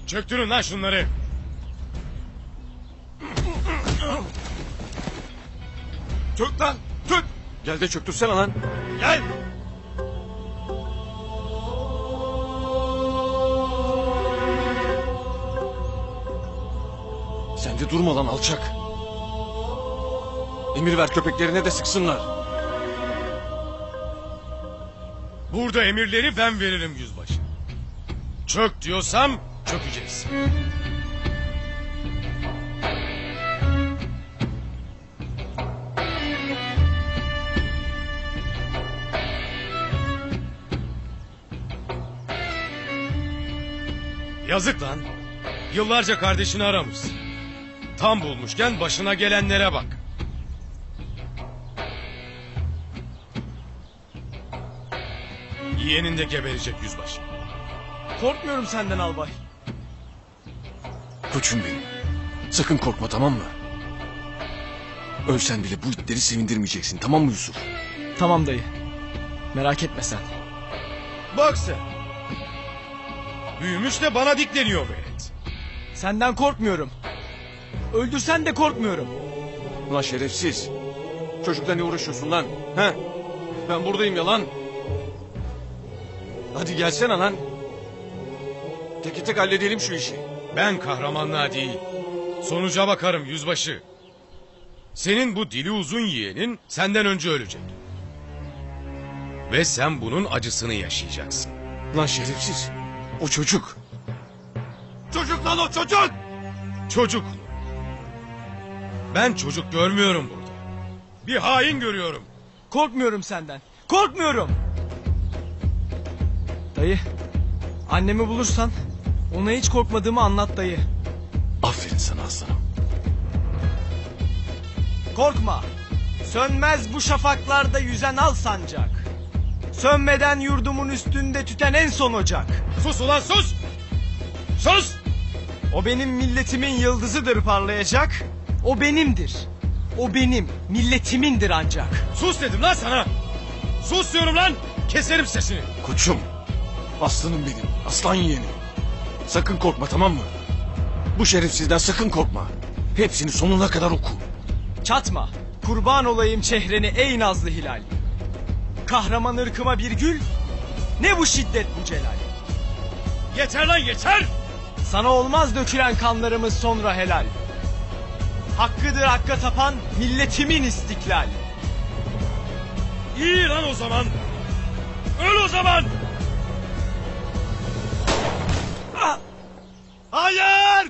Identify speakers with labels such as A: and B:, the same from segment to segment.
A: Çöktürün lan şunları.
B: Çök lan, çök. Gel de çöktürsene lan.
A: Gel.
B: Sen de durma lan alçak. Emir ver köpeklerine de sıksınlar.
A: Burada emirleri ben veririm yüzbaşı. Çök diyorsam çökeceğiz. Yazık lan. Yıllarca kardeşini aramış. Tam bulmuşken başına gelenlere bak. Yeğenin de geberecek yüzbaşı.
C: Korkmuyorum senden albay.
B: Koçum benim. Sakın korkma, tamam mı? Ölsen bile bu itleri sevindirmeyeceksin, tamam mı Yusuf?
C: Tamam dayı. Merak etme sen.
A: Bak sen. Büyümüş de bana dikleniyor velet.
C: Senden korkmuyorum. Öldürsen de korkmuyorum.
B: Ulan şerefsiz. Çocukla ne uğraşıyorsun lan? He? Ben buradayım ya lan. Hadi gelsene lan. Tek tek halledelim şu işi.
A: Ben kahramanlığa değil, sonuca bakarım yüzbaşı. Senin bu dili uzun yeğenin senden önce ölecek. Ve sen bunun acısını yaşayacaksın.
B: Lan şerefsiz. O çocuk. Çocuk lan o çocuk.
A: Çocuk. Ben çocuk görmüyorum burada. Bir hain görüyorum.
C: Korkmuyorum senden. Korkmuyorum. Dayı. Annemi bulursan ona hiç korkmadığımı anlat dayı.
B: Aferin sana aslanım.
C: Korkma. Sönmez bu şafaklarda yüzen al sancak. Sönmeden yurdumun üstünde tüten en son ocak.
A: Sus ulan sus! Sus!
C: O benim milletimin yıldızıdır parlayacak. O benimdir. O benim milletimindir ancak.
A: Sus dedim lan sana! Sus diyorum lan! Keserim sesini!
B: Koçum. Aslanım benim. Aslan yeğenim. Sakın korkma, tamam mı? Bu şerefsizden sakın korkma. Hepsini sonuna kadar oku.
C: Çatma. Kurban olayım çehreni ey nazlı hilal. Kahraman ırkıma bir gül. Ne bu şiddet bu celal.
A: Yeter lan yeter!
C: Sana olmaz dökülen kanlarımız sonra helal. Hakkıdır hakka tapan milletimin istiklal.
A: İyi lan o zaman! Öl o zaman! Ah! Hayır!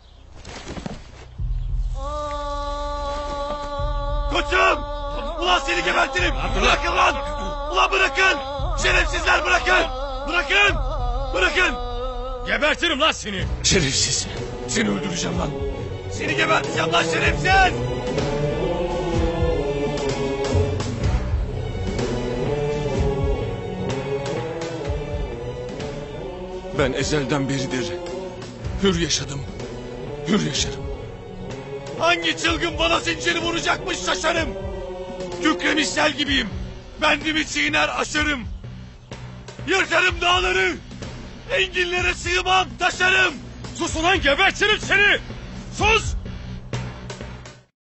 D: Koçum! Ulan seni gebertirim! Bırakın lan! Ulan bırakın! Şerefsizler bırakın! Bırakın! Bırakın!
A: Gebertirim lan seni!
B: Şerefsiz. Seni öldüreceğim lan.
D: Seni geberteceğim lan şerefsiz!
B: Ben ezelden beridir hür yaşadım. Hür yaşarım.
D: Hangi çılgın bana zinciri vuracakmış şaşarım! Kükremiş sel gibiyim! Bendimi çiğner aşarım! Yırtarım dağları! Enginlere sığmam taşarım!
A: Sus ulan gebertirim seni! Sus!